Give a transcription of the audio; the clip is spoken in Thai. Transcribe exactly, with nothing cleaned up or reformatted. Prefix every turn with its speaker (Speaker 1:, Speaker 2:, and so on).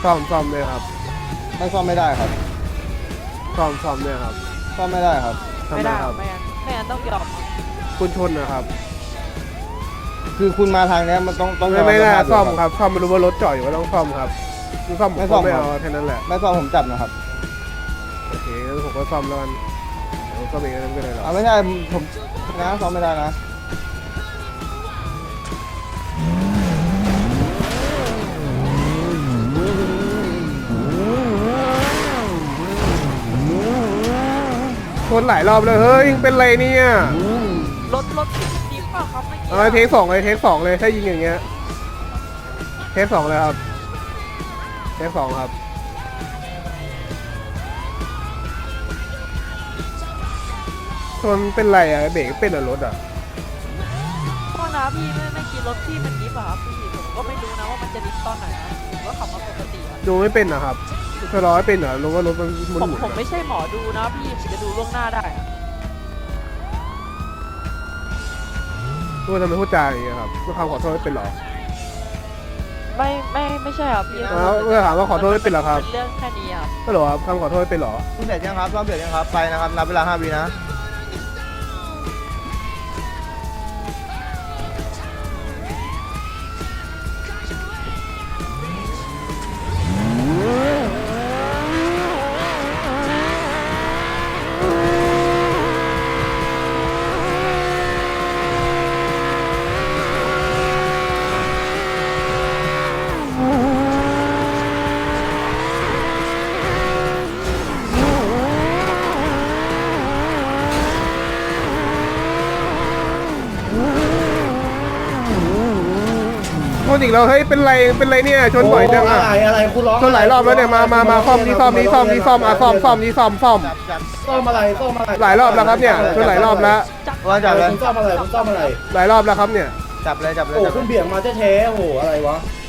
Speaker 1: ซ่อมซ่อมเลยครับ
Speaker 2: ไม่ซ่อมไม่ได้ครับ
Speaker 1: ซ่อมซ่อมเนี่ยครับ
Speaker 2: ซ่อมไม่ได้ครับ
Speaker 1: ทำ
Speaker 3: ไม่
Speaker 1: ไม
Speaker 3: ได้
Speaker 1: ครับ
Speaker 3: ไม่งั้นไม่งั้นต้องยอม
Speaker 1: คุณชนนะครับ
Speaker 2: คือคุณมาทางเนี้ยมันต้องต้อง
Speaker 1: ไม่ไม่น่า
Speaker 2: สภพ
Speaker 1: ซ่อม
Speaker 2: ยู่
Speaker 1: ครับซ่อมไม่รู้ว่ารถจอดอยู่ก็ต้องซ่อมครับคุณซ่อมผม
Speaker 2: ไม่ซ่
Speaker 1: ก็
Speaker 2: อม
Speaker 1: ไม่
Speaker 2: ครับ
Speaker 1: เอาแค่นั้นแหละ
Speaker 2: ไม่ซ่อมผมจับนะครับ
Speaker 1: โอเคงั้นผมก็ซ่อมแล้วกันเดี๋ยวซ่อมเองก็ไม่เป็นไรหรอก
Speaker 2: เอาไม่ใช่ผมนะซ่อมไม่ได้นะ
Speaker 1: ชนหลายรอบเลยเฮ้ยยิงเป็นไรเนี่ย
Speaker 3: รถรถดีเปล่าครับไม่
Speaker 1: เอาเทคสองเลยเทคสองเลยถ้ายิงอย่างเงี้ยเทคสองเลยครับเทคสองครับชนเป็นไรอะเบรกเป็นเหรอรถอะ
Speaker 3: โทษนะพี่ไม่ไม่กินรถพี่มันดิฟอะครับพี่ผมก็ไม่รู้นะว่ามันจะดิฟตอนไหนนะผมก็ขับมาปกติอะ
Speaker 1: ดูไม่เป็นนะครับชะลอไม่เป็นเหรอรู้ว่ารถมันหมุน
Speaker 3: ผม
Speaker 1: หมุน
Speaker 3: ผมไม่ใช่หมอดูนะพี่ผมจะดูล่วงหน้าได้อะ
Speaker 1: รู้ว่าทำไมพูดจาอย่างเงี้ยครับเมื่อคำขอโทษไม่เป็นเหรอ
Speaker 3: ไม่ไม่ไม่ใช่ครับพี่
Speaker 1: แล้วเมื่อถามว่าขอโทษไม่เป็นเหรอครับ
Speaker 3: เป็นเรื่องแค่นี้ครับ
Speaker 1: ก็เหรอครับคำขอโทษไม่เป็นเหรอ
Speaker 2: คุณเสร็จยังครับซ่อมเสร็จยังครับไปนะครับนับเวลาห้าวินะ
Speaker 1: โทษอีกแล้วเฮ้ยเป็นไรเป็นไรเนี่ยชนบ่อยจังอะ
Speaker 4: อะไรอะไรคุณร้อง
Speaker 1: ชนหลายรอบแล้วเนี่ยมามามาซ่อมนี่ซ่อมนี่ซ่อมนี่ซ่อมอ่ะซ่อมซ่อมนี่ซ่อมซ่อม
Speaker 2: จับจับ
Speaker 4: ซ่อมอะไรซ่อมอะไร
Speaker 1: หลายรอบแล้วครับเนี่ยชนหลายรอบแล้ว
Speaker 3: จับ
Speaker 2: ว่าจับเลย
Speaker 4: คุณซ่อมอะไรคุณซ่อมอะไร
Speaker 1: หลายรอบแล้วครับเนี่ย
Speaker 2: จับเลยจับเลย
Speaker 4: โอ้
Speaker 2: จับเล
Speaker 4: คุ
Speaker 2: ย
Speaker 4: ณเบี่ยงมาแท้ๆโอ้โหอะไรวะ